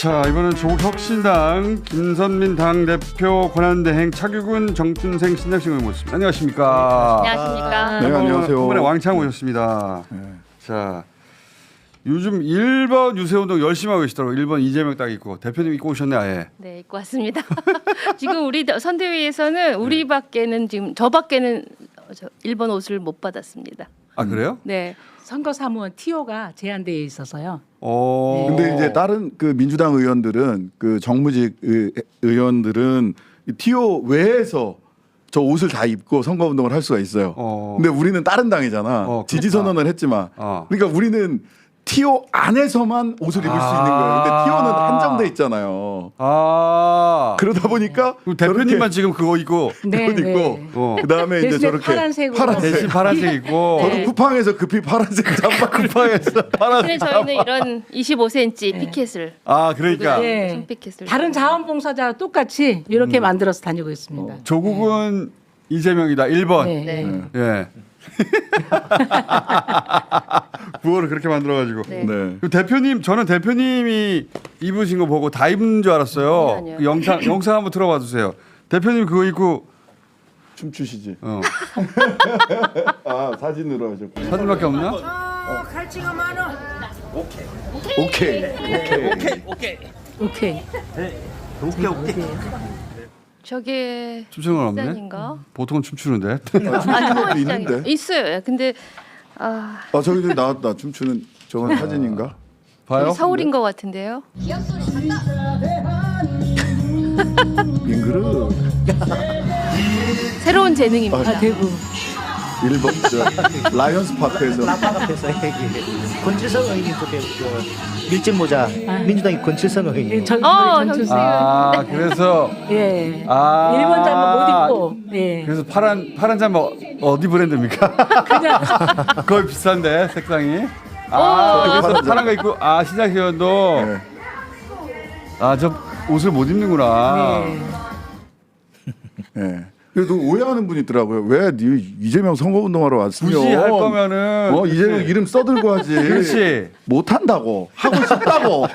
자, 이번은 조국혁신당 김선민 당대표 권한대행 차규근 정춘생 신장식을 모셨습니다. 안녕하십니까? 안녕하십니까? 네, 안녕하세요. 이번에 왕창 오셨습니다. 자, 요즘 1번 유세운동 열심히 하고 계시더라고요. 1번 이재명 딱 있고 대표님 입고 오셨네 아예. 네, 입고 왔습니다. 지금 우리 선대위에서는 우리밖에는 지금 저밖에는 1번 옷을 못 받았습니다. 아 그래요? 네. 선거사무원 TO가 제한되어 있어서요. 근데 이제 다른 그 민주당 의원들은 그 정무직 의원들은 이 TO 외에서 저 옷을 다 입고 선거운동을 할 수가 있어요. 근데 우리는 다른 당이잖아. 지지 선언을 했지만. 그러니까 우리는 TO 안에서만 옷을 입을 수 있는 거예요. 근데 TO는 한정돼 있잖아요. 그러다 보니까 대표님만 지금 그거 입고 네, 그거 입고 그다음에 이제 대신에 저렇게 파란색으로. 대신 파란색 입고 저도 쿠팡에서 급히 파란색 잠바 쿠팡에서 파란색. 저희는 이런 25cm 피켓을 그러니까 네. 손피켓을 다른 자원봉사자와 똑같이 이렇게 만들어서 다니고 있습니다. 조국은 이재명이다 1번. 네. 네. 예. 구호를 그렇게 만들어가지고. 네. 네. 그 대표님, 저는 대표님이 입으신 거 보고 다 입는 줄 알았어요. 아니요. 그 영상 한번 들어봐 주세요. 대표님 그거 입고 춤추시지. 어. 사진으로 하셨고. 사진밖에 없나? 갈치가 많아. 오케이. 오케이. 저게 춤추는 건 없네. 시장인가? 보통은 춤추는데. 아니, 있는데? 있어요. 근데 저기도 나왔다. 춤추는 저건 사진인가? 봐요. 서울인 것 같은데요. 잉그르. 새로운 재능입니다. 대구. 일본 저 라이언스 파크에서 깜빡 앞에서 권칠성 의원님 그때 그 밀짚 모자 민주당이 권칠성 의원님 전주세요. 그래서 예. 일본 일본 잠바 못 입고. 예. 그래서 파란 잠바 어디 브랜드입니까? 그냥 거의 비싼데 색상이. 그래서 파란 거 입고 시장 의원도 네. 저 옷을 못 입는구나. 예. 그래도 오해하는 분이 있더라고요. 왜 이재명 선거운동하러 왔으면 굳이 할 거면은 이재명 이름 써들고 하지. 그렇지. 못 한다고 하고 싶다고.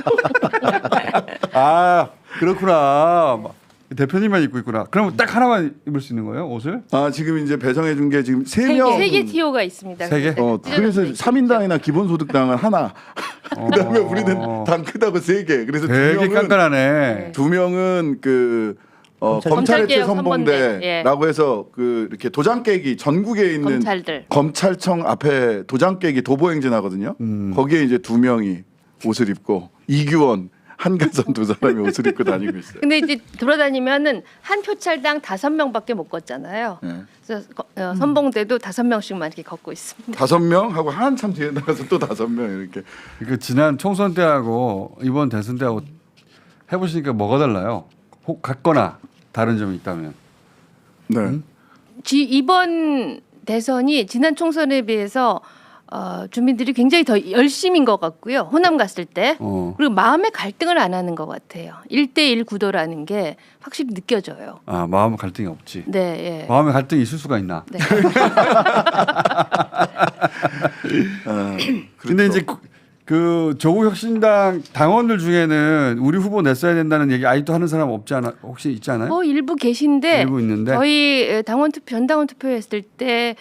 그렇구나. 대표님만 입고 있구나. 그럼 딱 하나만 입을 수 있는 거예요, 옷을? 지금 이제 배정해 준 게 지금 3명. 세 개 TO가 있습니다. 세 개? 그래서 3인당이나 기본소득당은 하나. 그다음에 우리는 당 크다고 3개. 그래서 되게 깐깐하네. 2명은 그 검찰 검찰개혁 해체 선봉대라고 해서 그 이렇게 도장 깨기 전국에 있는 검찰들. 검찰청 앞에 도장 깨기 도보 행진하거든요. 거기에 이제 2명이 옷을 입고 이규원 한가선 2사람이 옷을 입고 다니고 있어요. 근데 이제 돌아다니면은 한 표찰당 5명밖에 못 걷잖아요. 네. 그래서 선봉대도 5명씩만 이렇게 걷고 있습니다. 5명 하고 한참 뒤에 나가서 또 5명 이렇게. 그 지난 총선 때하고 이번 대선 때하고 해보시니까 뭐가 달라요? 혹 같거나 다른 점이 있다면? 네. 이번 대선이 지난 총선에 비해서 주민들이 굉장히 더 열심인 것 같고요. 호남 갔을 때 그리고 마음의 갈등을 안 하는 것 같아요. 1대1 구도라는 게 확실히 느껴져요. 마음 갈등이 없지. 네, 예. 마음의 갈등이 있을 수가 있나? 네. 근데 이제 그 조국혁신당 당원들 중에는 우리 후보 냈어야 된다는 얘기 아직도 하는 사람 없지 않아? 혹시 있지 않아요? 일부 계신데 일부 있는데 저희 전당원 투표했을 때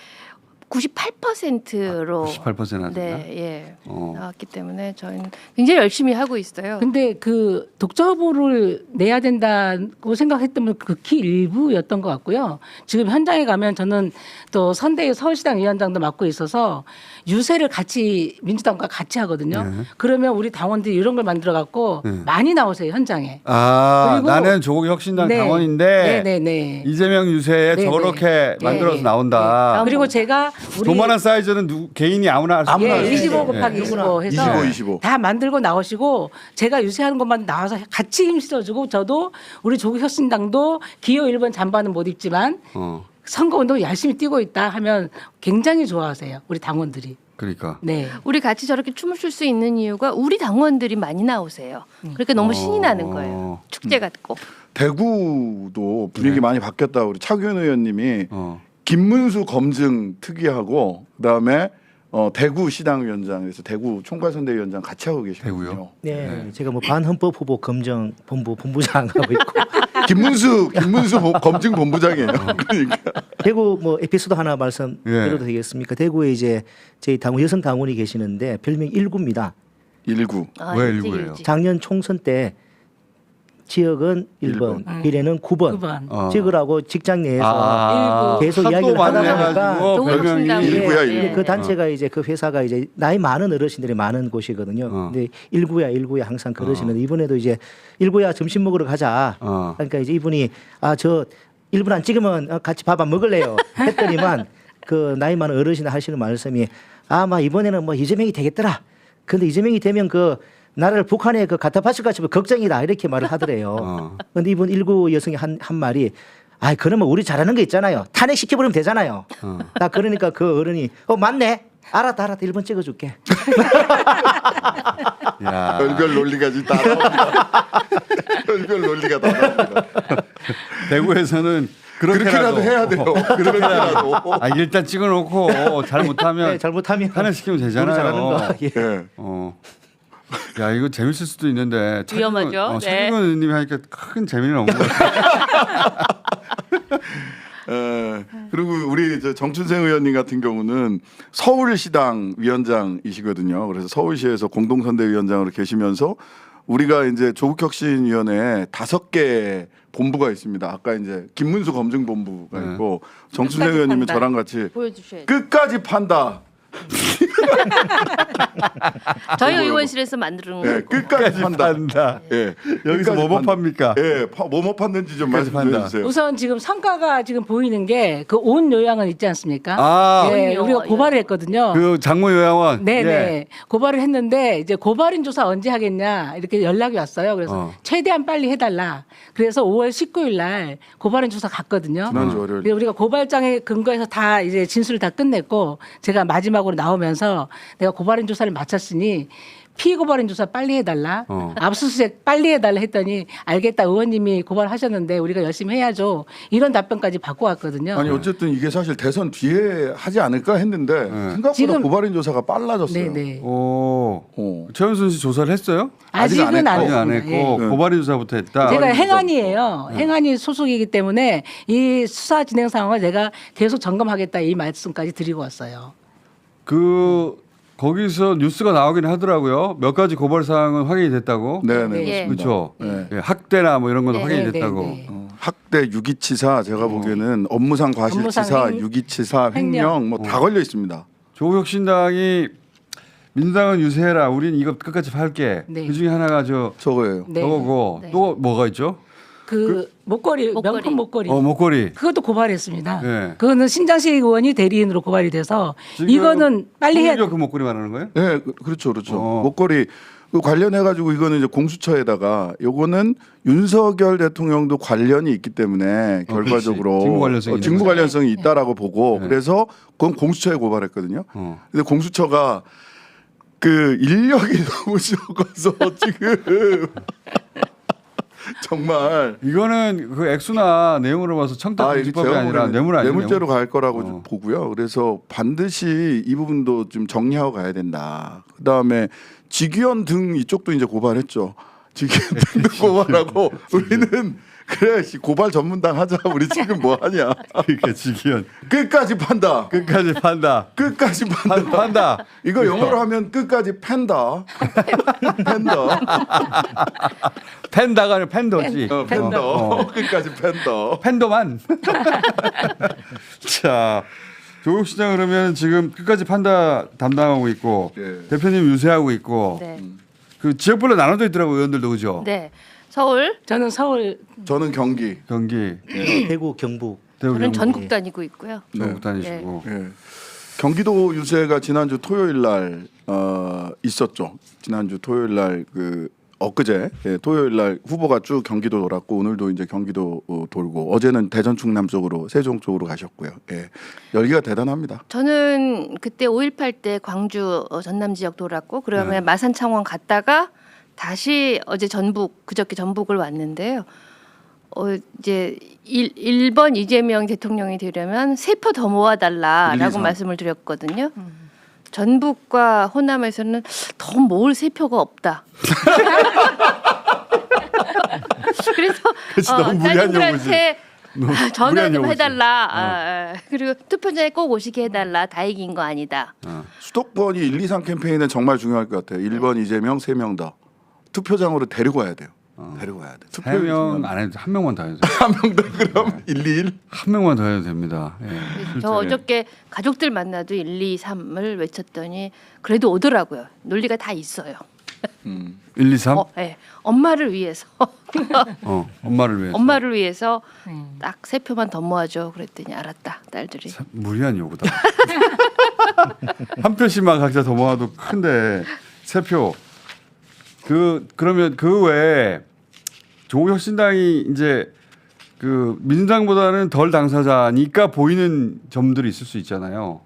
98%로 98% 나왔나? 네, 예. 나왔기 때문에 저희는 굉장히 열심히 하고 있어요. 근데 그 독자보를 내야 된다고 생각했던 분 극히 일부였던 것 같고요. 지금 현장에 가면 저는 또 선대위 서울시당 위원장도 맡고 있어서 유세를 같이 민주당과 같이 하거든요. 네. 그러면 우리 당원들이 이런 걸 만들어 갖고 많이 나오세요 현장에. 그리고 나는 조국혁신당 네. 당원인데 네. 이재명 유세에 네, 저렇게 네. 만들어서 네. 나온다. 그리고 제가 우리 도만한 사이즈는 개인이 아무나 할 수 아무나 있어요. 할 수 25 있어요. 곱하기 25 해서 25. 다 만들고 나오시고 제가 유세하는 것만 나와서 같이 힘실어주고 저도 우리 조국혁신당도 기호 1번 잠바는 못 입지만 선거운동 열심히 뛰고 있다 하면 굉장히 좋아하세요. 우리 당원들이. 그러니까. 네. 우리 같이 저렇게 춤을 출 수 있는 이유가 우리 당원들이 많이 나오세요. 그러니까 너무 신이 나는 거예요. 축제 같고. 대구도 분위기 많이 바뀌었다. 우리 차규현 의원님이 어. 김문수 검증 특위하고 그다음에 대구 시당위원장에서 대구 총괄선대위원장 같이 하고 계시거든요. 대구요? 네, 제가 뭐 반헌법 후보 검정 본부장 하고 있고 김문수 검증 본부장이에요. 그러니까 대구 뭐 에피소드 하나 말씀드려도 되겠습니까? 대구에 이제 저희 당원 여성 당원이 계시는데 별명 19입니다. 19. 왜 일찍 일부예요? 일찍. 작년 총선 때 지역은 1번, 비례는 9번. 9번. 찍으라고 직장 내에서 아, 계속 하도 이야기를 하다 보니까 많아가지고 별명이 조국신당. 일구야, 네. 일구. 그 단체가 이제 그 회사가 이제 나이 많은 어르신들이 많은 곳이거든요. 근데 19야 항상 그러시는데 이번에도 이제 19야 점심 먹으러 가자. 그러니까 이제 이분이 저 1분 안 찍으면 같이 밥 안 먹을래요. 했더니만 그 나이 많은 어르신 하시는 말씀이 막 이번에는 뭐 이재명이 되겠더라. 근데 이재명이 되면 그 나라를 북한에 그 갖다 바칠 것 같으면 걱정이다 이렇게 말을 하더래요. 근데 이분 19 여성이 한 말이 그러면 우리 잘하는 거 있잖아요. 탄핵시켜버리면 되잖아요. 나 그러니까 그 어른이 맞네. 알았다 1번 찍어줄게. 야. 별별 논리가 다 나옵니다. 별별 논리가 다 나옵니다. 대구에서는 그렇게라도 해야 돼요. 그렇게라도. 일단 찍어놓고 잘못하면 네, 잘못하면 탄핵시키면 우리 잘하는 되잖아요. 거. 예. 네. 야 이거 재밌을 수도 있는데 위험하죠. 네. 차기근 의원님이 하니까 큰 재미는 없는 것 같아요. 그리고 우리 정춘생 의원님 같은 경우는 서울시당 위원장이시거든요. 그래서 서울시에서 공동선대위원장으로 계시면서 우리가 이제 조국혁신위원회에 5개 본부가 있습니다. 아까 이제 김문수 검증본부가 있고 정춘생 끝까지 의원님은 판다. 저랑 같이 보여주셔야 돼. 끝까지 판다. 저희 의원실에서 만드는 네, 끝까지 판다. 예, 여기서 끝까지 뭐뭐 판다. 팝니까? 예, 뭐뭐 팠는지 좀 끝까지 말씀해 판다. 주세요. 우선 지금 성과가 지금 보이는 게 그 온 요양은 있지 않습니까? 네, 온 우리가 요양. 고발을 했거든요. 그 장모 요양원. 네네. 예. 고발을 했는데 이제 고발인 조사 언제 하겠냐 이렇게 연락이 왔어요. 그래서 최대한 빨리 해달라. 그래서 5월 19일 날 고발인 조사 갔거든요. 지난주 월요일. 그래서 우리가 고발장에 근거해서 다 이제 진술을 다 끝냈고 제가 마지막으로 나오면서 내가 고발인 조사를 마쳤으니 피고발인 조사 빨리 해달라. 압수수색 빨리 해달라 했더니 알겠다 의원님이 고발하셨는데 우리가 열심히 해야죠. 이런 답변까지 받고 왔거든요. 아니 어쨌든 이게 사실 대선 뒤에 하지 않을까 했는데 생각보다 지금- 고발인 조사가 빨라졌어요. 네네. 최은순 씨 조사를 했어요? 아직은 안 아직 안 했습니다. 했고 예. 고발인 조사부터 했다. 제가 행안위예요. 행안위 소속이기 때문에 이 수사 진행 상황을 제가 계속 점검하겠다 이 말씀까지 드리고 왔어요. 거기서 뉴스가 나오긴 하더라고요. 몇 가지 고발 사항은 확인이 됐다고. 네네. 예. 그렇죠. 네. 예, 학대나 뭐 이런 건 네. 확인이 네, 됐다고. 네, 네. 학대 유기치사 제가 보기에는 업무상 과실치사, 업무상 유기치사, 횡령 뭐 다 걸려 있습니다. 조국혁신당이 민주당은 유세해라. 우린 이거 끝까지 팔게. 네. 그 중에 하나가 저거예요. 네. 저거고 네. 또 뭐가 있죠? 목걸이, 목걸이. 명품 목걸이. 목걸이. 그것도 고발했습니다. 네. 그거는 신장식 의원이 대리인으로 고발이 돼서 지금 이거는 빨리 해야 홍일교 그 목걸이 말하는 거예요? 네, 그렇죠. 목걸이 관련해 가지고 이거는 이제 공수처에다가 요거는 윤석열 대통령도 관련이 있기 때문에 결과적으로 직무 관련성이 있는 직무 거죠. 관련성이 있다라고 보고 네. 그래서 그건 공수처에 고발했거든요. 어. 근데 공수처가 그 인력이 너무 적어서 지금 정말 이거는 그 액수나 내용으로 봐서 청탁금지법이 제가 아니라 보기에는 뇌물 아니에요? 뇌물죄로 갈 거라고 좀 보고요. 그래서 반드시 이 부분도 좀 정리하고 가야 된다. 그다음에 직위원 등 이쪽도 이제 고발했죠. 직위원 등도 고발하고 우리는 그래 고발 전문당 하자. 우리 지금 뭐 하냐? 그러니까 직위원 끝까지 판다. 끝까지 판다. 끝까지 판다. 판다. 이거 영어로 하면 끝까지 팬다. 팬다. 팬다가 아니라 팬더지. 팬더. 끝까지 팬더. 팬더만. 자, 조국시장 그러면 지금 끝까지 판다 담당하고 있고 네. 대표님 유세하고 있고 네. 그 지역별로 나눠져 있더라고 의원들도 그죠? 네. 서울. 저는 서울 저는 경기. 경기, 대구 경북 대구, 저는 경북, 전국 다니고 있고요. 전국 다니시고. 예. 경기도 유세가 지난주 토요일 날 있었죠. 지난주 토요일 날 엊그제 토요일 날 후보가 쭉 경기도 돌았고 오늘도 이제 경기도 돌고 어제는 대전 충남 쪽으로 세종 쪽으로 가셨고요. 예. 열기가 대단합니다. 저는 그때 5.18 때 광주 전남 지역 돌았고 그러면 마산 창원 갔다가 다시 어제 그저께 전북을 왔는데요. 이제 1번 이재명 대통령이 되려면 3표 더 모아달라라고 1, 2, 3. 말씀을 드렸거든요. 전북과 호남에서는 더 모을 세표가 없다. 그래서 그치, 너무 무리한 따님들한테 전화 무리한 좀 요구지. 해달라. 그리고 투표장에 꼭 오시게 해달라. 다 이긴 거 아니다. 수도권이 1, 2, 3 캠페인은 정말 중요할 것 같아요. 1번 이재명, 3명 더 투표장으로 데리고 와야 돼요. 데리고 와야 돼. 3명 안 해도 한 명만 더 해도 돼요. 한 명 더 그럼 1, 2, 1. 한 명만 더 해도 됩니다. 예, 저 실제. 어저께 가족들 만나도 1, 2, 3을 외쳤더니 그래도 오더라고요. 논리가 다 있어요. 1, 2, 3? 네. 엄마를 위해서 엄마를 위해서. 엄마를 위해서 딱 3표만 더 모아줘. 그랬더니 알았다. 딸들이. 참 무리한 요구다. 한 표씩만 각자 더 모아도 큰데 3표. 그러면 그 외에 조국혁신당이 이제 그 민주당보다는 덜 당사자니까 보이는 점들이 있을 수 있잖아요.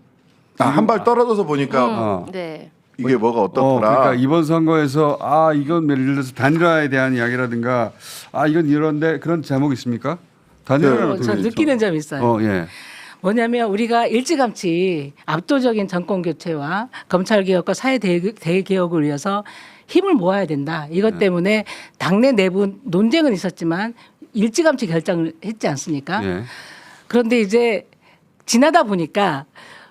한 발 떨어져서 보니까 네. 이게 뭐가 어떻더라. 그러니까 이번 선거에서 이건 예를 들어서 단일화에 대한 이야기라든가 이건 이런데 그런 제목 있습니까? 단일화는 어떻게 저 되죠? 느끼는 점이 있어요. 예. 뭐냐면 우리가 일찌감치 압도적인 정권 교체와 검찰 개혁과 사회 대개혁을 위해서 힘을 모아야 된다. 이것 때문에 당내 내부 논쟁은 있었지만 일찌감치 결정을 했지 않습니까? 예. 그런데 이제 지나다 보니까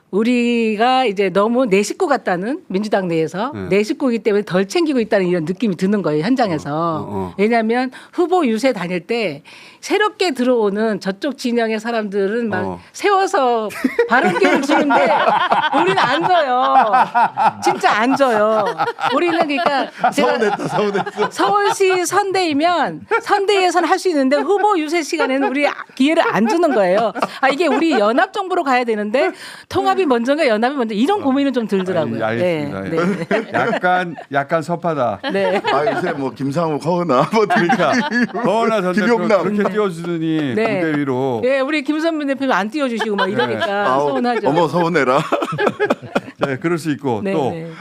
우리가 이제 너무 내 식구 같다는 민주당 내에서 내 식구이기 때문에 덜 챙기고 있다는 이런 느낌이 드는 거예요, 현장에서. 왜냐하면 후보 유세 다닐 때 새롭게 들어오는 저쪽 진영의 사람들은 막 세워서 발언기를 주는데 우리는 안 줘요. 진짜 안 줘요. 우리는 그러니까 제가 서울시 선대이면 선대에서는 할 수 있는데 후보 유세 시간에는 우리 기회를 안 주는 거예요. 이게 우리 연합 정부로 가야 되는데 통합이 먼저인가 연합이 먼저 이런 고민은 좀 들더라고요. 알겠습니다. 네. 약간 섭하다. 네. 요새 뭐 김상욱, 허은아 뭐 그러니까 허은하 전 대표 김용남. 그렇게 띄워주더니 네. 무대 위로. 네, 우리 김선민 대표님 안 띄워주시고 막 이러니까 서운하죠. 어머 서운해라. 네, 그럴 수 있고 네, 또 네.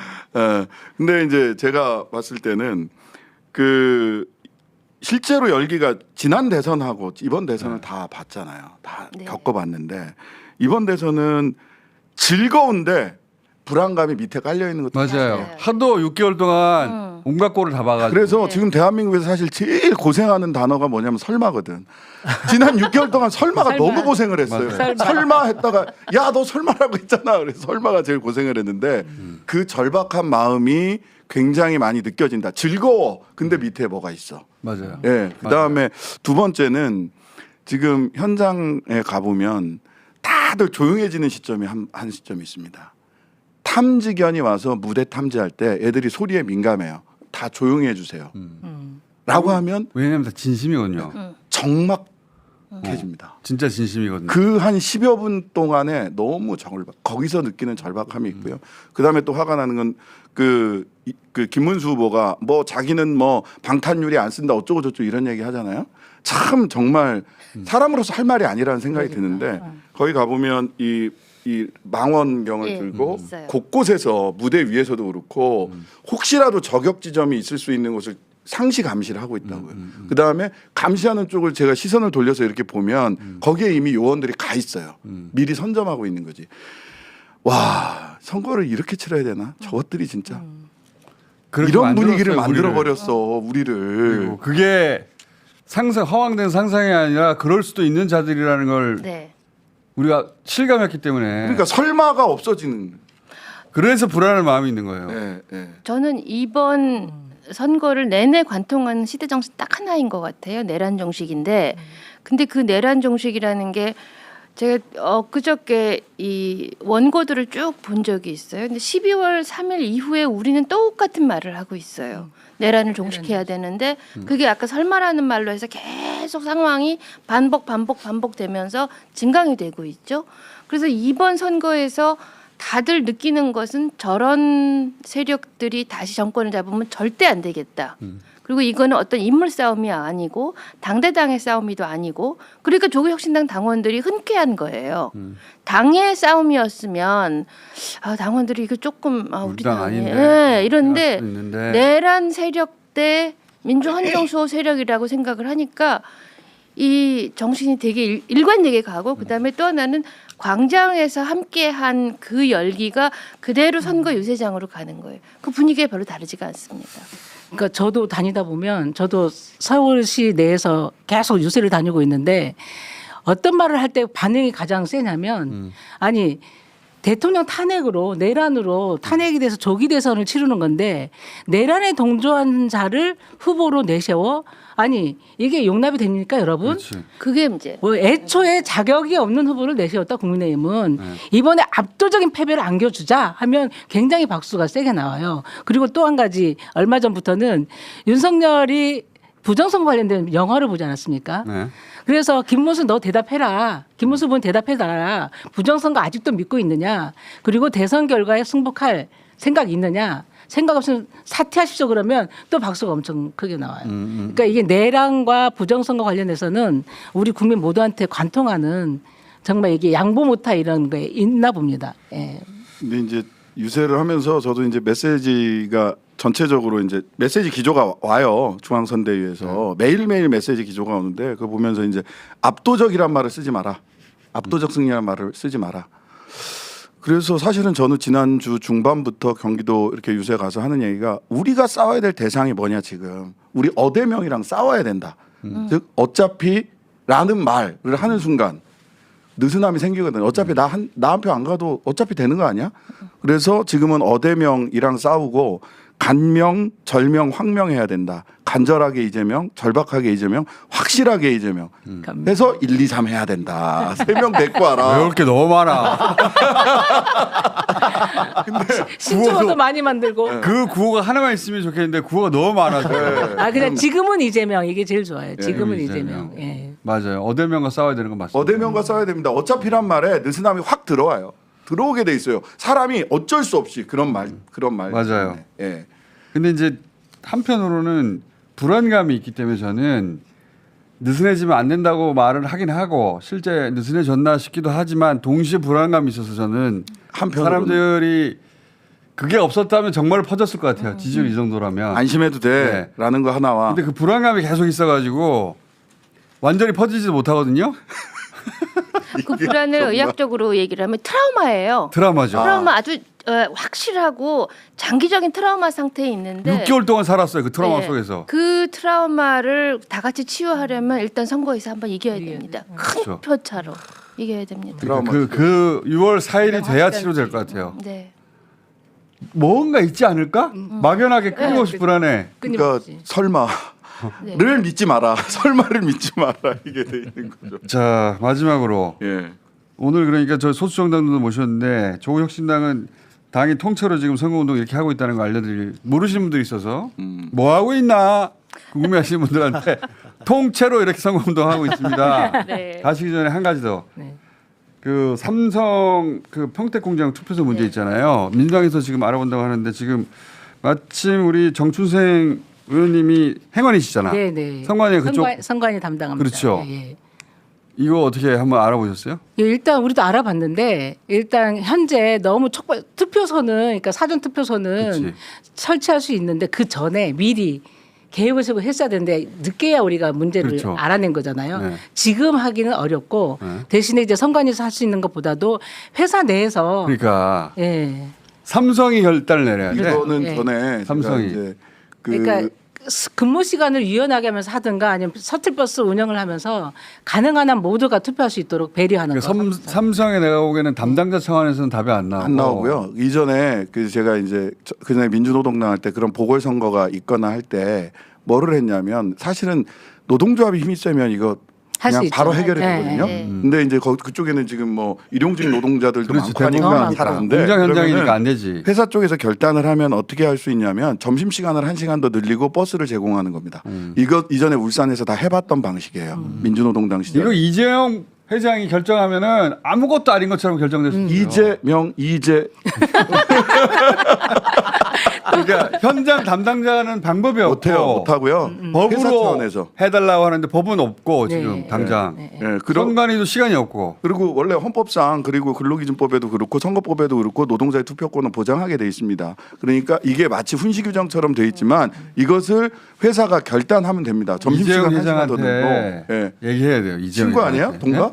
근데 이제 제가 봤을 때는 그 실제로 열기가 지난 대선하고 이번 대선을 다 봤잖아요. 다 네. 겪어봤는데 이번 대선은 즐거운데 불안감이 밑에 깔려 있는 것도 맞아요. 맞아요. 하도 6개월 동안 온갖 꼴을 다 봐가지고. 그래서 지금 대한민국에서 사실 제일 고생하는 단어가 뭐냐면 설마거든. 지난 6개월 동안 설마가 설마. 너무 고생을 했어요. 맞아요. 설마 했다가 야 너 설마라고 했잖아. 그래서 설마가 제일 고생을 했는데 그 절박한 마음이 굉장히 많이 느껴진다. 즐거워. 근데 밑에 뭐가 있어. 맞아요. 예. 그다음에 두 번째는 지금 현장에 가보면 다들 조용해지는 시점이 한 시점이 있습니다. 탐지견이 와서 무대 탐지할 때 애들이 소리에 민감해요. 다 조용히 해주세요. 라고 하면 왜냐면 다 진심이거든요. 적막해집니다. 진짜 진심이거든요. 그 한 10여 분 동안에 너무 거기서 느끼는 절박함이 있고요. 그다음에 또 화가 나는 건 그 김문수 후보가 뭐 자기는 뭐 방탄유리 안 쓴다 어쩌고 저쩌고 이런 얘기 하잖아요. 참 정말 사람으로서 할 말이 아니라는 생각이 드는데 거기 가보면 이 망원경을 예, 들고 있어요. 곳곳에서 무대 위에서도 그렇고 혹시라도 저격 지점이 있을 수 있는 곳을 상시 감시를 하고 있다고요. 그 다음에 감시하는 쪽을 제가 시선을 돌려서 이렇게 보면 거기에 이미 요원들이 가 있어요. 미리 선점하고 있는 거지. 와 선거를 이렇게 치러야 되나? 저것들이 진짜 그렇게 이런 분위기를 만들었어요, 만들어 버렸어 우리를. 그리고 그게 허황된 상상이 아니라 그럴 수도 있는 자들이라는 걸 네. 우리가 실감했기 때문에 그러니까 설마가 없어지는. 그래서 불안한 마음이 있는 거예요. 예, 예. 저는 이번 선거를 내내 관통하는 시대 정신 딱 하나인 것 같아요. 내란 정식인데, 근데 그 내란 정식이라는 게 제가 그저께 이 원고들을 쭉 본 적이 있어요. 근데 12월 3일 이후에 우리는 똑같은 말을 하고 있어요. 내란을 종식해야 되는데 그게 아까 설마라는 말로 해서 계속 상황이 반복되면서 증강이 되고 있죠. 그래서 이번 선거에서 다들 느끼는 것은 저런 세력들이 다시 정권을 잡으면 절대 안 되겠다. 그리고 이거는 어떤 인물 싸움이 아니고 당대당의 싸움이도 아니고 그러니까 조국혁신당 당원들이 흔쾌한 거예요. 당의 싸움이었으면 당원들이 이거 조금 우리 당 당이 아닌데. 예, 이런데 할 수도 있는데. 내란 세력 대 민주헌정수호 세력이라고 생각을 하니까 이 정신이 되게 일관되게 가고 그다음에 또 하나는 광장에서 함께한 그 열기가 그대로 선거 유세장으로 가는 거예요. 그 분위기가 별로 다르지가 않습니다. 그러니까 저도 다니다 보면 저도 서울시 내에서 계속 유세를 다니고 있는데 어떤 말을 할 때 반응이 가장 세냐면 아니 대통령 탄핵으로 내란으로 탄핵이 돼서 조기 대선을 치르는 건데 내란에 동조한 자를 후보로 내세워 아니 이게 용납이 됩니까 여러분? 그렇지. 그게 문제. 뭐 애초에 자격이 없는 후보를 내세웠다 국민의힘은 이번에 압도적인 패배를 안겨주자 하면 굉장히 박수가 세게 나와요. 그리고 또 한 가지 얼마 전부터는 윤석열이 부정선거 관련된 영화를 보지 않았습니까? 네. 그래서 김문수 너 대답해라. 김문수 의원 대답해달라. 부정선거 아직도 믿고 있느냐. 그리고 대선 결과에 승복할 생각이 있느냐. 생각 없으면 사퇴하십시오 그러면 또 박수가 엄청 크게 나와요. 그러니까 이게 내란과 부정선거 관련해서는 우리 국민 모두한테 관통하는 정말 이게 양보 못할 이런 게 있나 봅니다. 예. 근데 이제 유세를 하면서 저도 이제 메시지가 전체적으로 이제 메시지 기조가 와요. 중앙선대위에서 매일매일 메시지 기조가 오는데 그거 보면서 이제 압도적이란 말을 쓰지 마라. 압도적 승리란 말을 쓰지 마라. 그래서 사실은 저는 지난주 중반부터 경기도 이렇게 유세 가서 하는 얘기가 우리가 싸워야 될 대상이 뭐냐 지금. 우리 어대명이랑 싸워야 된다. 즉 어차피라는 말을 하는 순간 느슨함이 생기거든요. 어차피 나 한 표 안 가도 어차피 되는 거 아니야? 그래서 지금은 어대명이랑 싸우고 간명, 절명, 황명해야 된다. 간절하게 이재명, 절박하게 이재명, 확실하게 이재명. 해서 1, 2, 3 해야 된다. 3명 데리고 와라. 외울 게 너무 많아. 신조어도 많이 만들고. 그 구호가 하나만 있으면 좋겠는데 구호가 너무 많아서. 아 그냥 지금은 이재명 이게 제일 좋아요. 지금은 이재명. 이재명. 예. 맞아요. 어대명과 싸워야 되는 건 맞습니다. 어대명과 싸워야 됩니다. 어차피란 말에 느슨함이 확 들어와요. 들어오게 돼 있어요. 사람이 어쩔 수 없이 그런 말. 맞아요. 때문에. 예. 근데 이제 한편으로는 불안감이 있기 때문에 저는 느슨해지면 안 된다고 말을 하긴 하고 실제 느슨해졌나 싶기도 하지만 동시에 불안감이 있어서 저는 한편으로는 사람들이 그게 없었다면 정말 퍼졌을 것 같아요. 지지율 이 정도라면. 안심해도 돼라는 거 하나와 근데 그 불안감이 계속 있어가지고 완전히 퍼지지도 못하거든요. 그 불안을 의학적으로 얘기를 하면 트라우마예요. 드라마죠. 트라우마 아주 확실하고 장기적인 트라우마 상태에 있는데 6개월 동안 살았어요. 그 트라우마 네. 속에서. 그 트라우마를 다 같이 치유하려면 일단 선거에서 한번 이겨야 됩니다. 큰 그렇죠. 표차로 이겨야 됩니다. 트라우마. 그 6월 4일이 돼야 치료될 것 같아요. 네. 뭔가 있지 않을까? 막연하게 끊임없이 불안해. 그러니까 끊임없이. 설마를 네. 믿지 마라. 설마를 믿지 마라. 이게 돼 있는 거죠. 자 마지막으로 예. 오늘 그러니까 저 소수정당도 모셨는데 조국혁신당은 당이 통째로 지금 선거운동 이렇게 하고 있다는 거 알려드릴 모르시는 분들이 있어서 뭐 하고 있나 궁금해하시는 분들한테 통째로 이렇게 선거운동 하고 있습니다. 네. 가시기 전에 한 가지 더. 네. 그 삼성 그 평택공장 투표소 문제 있잖아요. 민주당에서 지금 알아본다고 하는데 지금 마침 우리 정춘생 의원님이 행원이시잖아. 네네. 선관위 그쪽 선관위 담당합니다. 그렇죠. 예, 예. 이거 어떻게 한번 알아보셨어요? 예, 일단 우리도 알아봤는데 일단 현재 너무 촉발 투표소는 그러니까 사전 투표소는 그치. 설치할 수 있는데 그 전에 미리 계획을 세우고 했어야 되는데 늦게야 우리가 문제를 그렇죠. 알아낸 거잖아요. 네. 지금 하기는 어렵고 네. 대신에 이제 선관위에서 할 수 있는 것보다도 회사 내에서 그러니까 예. 삼성이 결단을 내려야 돼. 이거는 예. 전에 삼성이. 제가 이제 그러니까 근무 시간을 유연하게 하면서 하든가 아니면 셔틀버스 운영을 하면서 가능한 한 모두가 투표할 수 있도록 배려하는 그러니까 거. 삼성에 내가 보기에는 담당자 차원에서는 답이 안 나오고. 안 나오고요. 이전에 그 제가 이제 그전에 민주노동당 할 때 그런 보궐선거가 있거나 할 때 뭐를 했냐면 사실은 노동조합이 힘이 세면 이거 할수 그냥 있죠. 바로 해결이 네, 되거든요. 네. 근데 이제 그쪽에는 지금 뭐 일용직 노동자들도 그렇지, 많고 하니까 대부분 잘 안 돼. 공장 현장이니까 그러면은 안 되지. 회사 쪽에서 결단을 하면 어떻게 할 수 있냐면 점심 시간을 1시간 더 늘리고 버스를 제공하는 겁니다. 이거 이전에 울산에서 다 해봤던 방식이에요. 민주노동당 시절. 이거 이재용 회장이 결정하면은 아무것도 아닌 것처럼 결정될 수 있어요. 이재 그러니까 현장 담당자는 방법이 없고 못하고요. 회사 법으로 차원에서. 해달라고 하는데 법은 없고 네. 지금 당장 예, 그런 선관위도 시간이 없고 그리고 원래 헌법상 그리고 근로기준법에도 그렇고 선거법에도 그렇고 노동자의 투표권을 보장하게 돼 있습니다. 그러니까 이게 마치 훈시 규정처럼 돼 있지만 이것을 회사가 결단하면 됩니다. 점심시간 이재용 1시간 더 늘고. 회장한테 예. 얘기해야 돼요. 이재용 친구 아니에요? 회장한테. 동갑?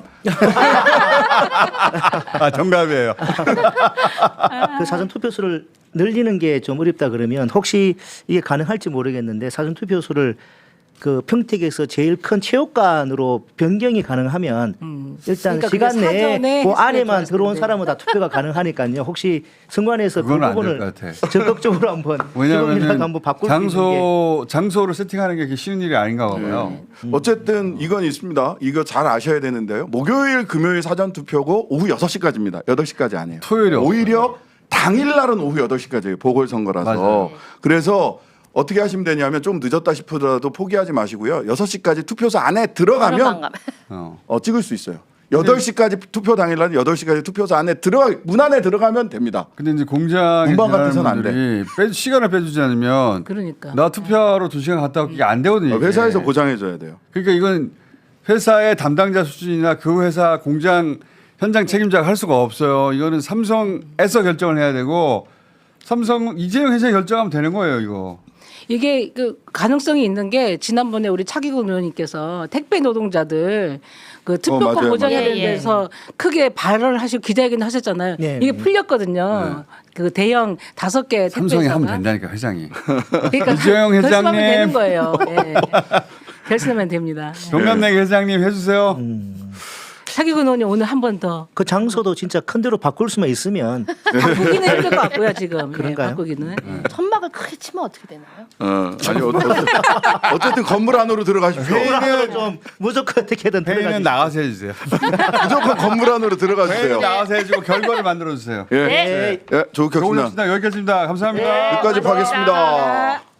아 정답이에요. 그 사전 투표수를 늘리는 게 좀 어렵다 그러면 혹시 이게 가능할지 모르겠는데 사전 투표수를 그 평택에서 제일 큰 체육관으로 변경이 가능하면 일단 그러니까 시간 그게 내에 사전에 그 했으면 안에만 들어온 좋았을 사람은 다 투표가 가능하니까요. 혹시 선관위에서 그 그건 안될 부분을 것 같아. 적극적으로 한번 조금이라도 왜냐하면 한번 바꿀 수 있는 게 장소를 세팅하는 게 그렇게 쉬운 일이 아닌가 봐요. 어쨌든 이건 있습니다. 이거 잘 아셔야 되는데요. 목요일, 금요일 사전 투표고 오후 6시까지입니다. 8시까지 안 해요. 토요일이 오히려 당일날은 오후 8시까지예요. 보궐선거라서. 맞아요. 그래서 어떻게 하시면 되냐면 좀 늦었다 싶더라도 포기하지 마시고요. 6시까지 투표소 안에 들어가면 찍을 수 있어요. 8시까지 투표 당일날 8시까지 투표소 안에 문 안에 들어가면 됩니다. 근데 이제 공장에 문방 같은 일하는 데는 안 분들이 시간을 빼주지 않으면 그러니까. 나 투표하러 2시간 갔다 오기 안 되거든요. 이게. 회사에서 보장해줘야 돼요. 그러니까 이건 회사의 담당자 수준이나 그 회사 공장 현장 책임자가 할 수가 없어요. 이거는 삼성에서 결정을 해야 되고 삼성 이재용 회장이 결정하면 되는 거예요. 이거. 이게 그 가능성이 있는 게 지난번에 우리 차기국 의원님께서 택배 노동자들 그 특별권 맞아요, 보장해야 맞아요. 되는 데서 크게 발언을 하시고 기자회견 하셨잖아요. 네, 이게 네. 풀렸거든요. 그 대형 5개 삼성이 택배사가. 하면 된다니까 회장이. 그러니까 이재용 결심하면 회장님. 되는 거예요. 예. 결심하면 됩니다. 동남내기 회장님 해주세요. 차기국 의원님 오늘 한 번 더 그 장소도 진짜 큰 데로 바꿀 수만 있으면 바꾸기는 힘들 것 같고요 지금. 그런가요? 바꾸기는. 천막을 크게 치면 어떻게 되나요? 아니 어쨌든 건물 안으로 들어가십시오. 회의는 좀 무조건 어떻게든 회의는 들어가지. 나가서 해주세요. 무조건 건물 안으로 들어가 주세요. 회의는 나가서 해주고 결과를 만들어 주세요. 예, 네. 예, 좋은 조국혁신당 협신당 여기까지입니다. 감사합니다. 여기까지 하겠습니다.